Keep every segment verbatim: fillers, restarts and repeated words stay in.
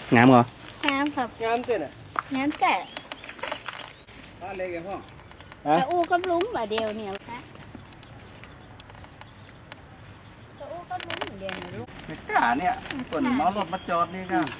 งามเหรองามครับงามเต้นอ่ะงามแต่บ้านเล็กไงพ่อจะอู้กับลุ้มบ่เดียวเนี่ยนะจะอู้กับลุ้มเดียวเนี่ยลูกเด็กกาเนี่ยฝนน้องรถมาจอดนี่ก็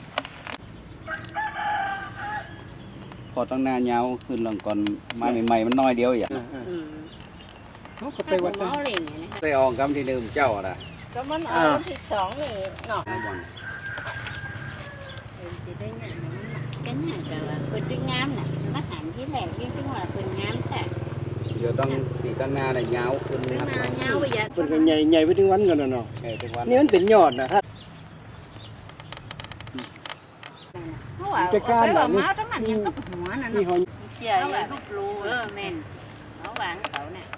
พอตั้งนานยาวขึ้นหลังก่อนมาใหม่ๆมันน้อยเดียวอย่างอืมเขาก็ไปไปวัวัดดกันเอาเลยเนี่ยนะไปออกกำที่หนึ่งเจ้าอ่ะก็มันเอาวันที่สองนี่เนาะนะบอลเป็นสิได้งามมันเป็นงามแต่ว่าเป็นด้วยงามน่ะมาหันที่แหลกยิ่งที่ว่าเป็นงามแต่เดี๋ยวต้องตีตั้งหน้าเนี่ยยาวขึ้นเป็นนะครับมาเงาไปยัดเป็นกันใหญ่ใหญ่ไปถึงวันกันเนาะเออทุกวันนี่มันเป็นยอดนะฮะเพราะว่าเอาไปว่าเมาทั้งมันยังกับหัวนั่นนี่เนาะหอยเจียอย่างลูกรูเออแม่นเอาหวานเขาเนี่ย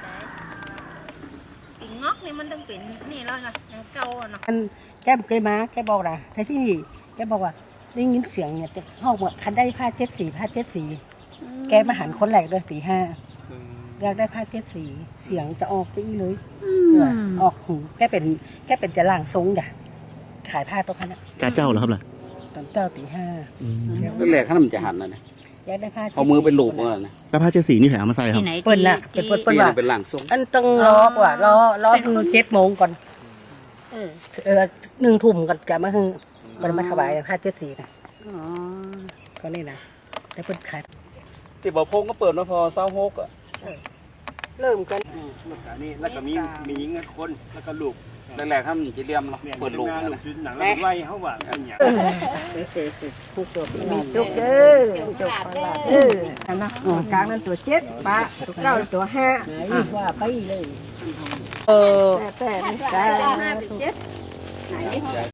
กินงอกนี่มันต้องเป็นนี่แล้วไงยังเก่าเนาะแกเคยมาแกบอกนะแต่ที่นี่แกบอกว่าได้ยินเสียงเนี่ยจะห้องว่าคันได้ผ้าเจ็ดสีผ้าเจ็ดสีแกมาหันคนแรกเลยตีห้าอยากได้ผ้าเจ็ดสีเสียงจะออกจะอีเลยเออออกหูแกเป็นแกเป็นจะล่างทรงจ้ะขายผ้าตัวพันอ่ะกาเจ้าเหรอครับล่ะตอนเจ้าตีห้าแรกๆข้ามันจะหันนะเนี่ยอยากได้ผ้าเอามือเป็นลูกเมื่อนะแล้วผ้าเจ็ดสีนี่แถมมาใส่ครับเปิ้ลน่ะเป็นเปิ้ลเปิ้ลนี่ว่าเป็นหลังทรงอันต้องรอว่ารอรอคือเจ็ดโมงก่อนเออเออหนึ่งทุ่มก่อนจะมาคือมันมาถวายผ้าเจ็ดสีนะอ๋อก็นี่นะแต่เปิ้ลขายที่บ่อพงก็เปิดมาพอเศร้าหกอ่ะเริ่มกันนี่แล้วก็มีมีหญิงคนแล้วก็ลูกแรกๆข้ามันจะเลี่ยมเนาะเปิดลูกลูนะกหนังแล้วไล่เขาว่าเป็นอย่างผู้ตัวมีสุขเด้อจบไปละเด้ออันนะกลางนั้นตัวเจ็ดปะตัวเก้าตัวห้าว่าไปเลยเออแต่แต่ไม่ใช่ห้าเป็นเจ็ดไหน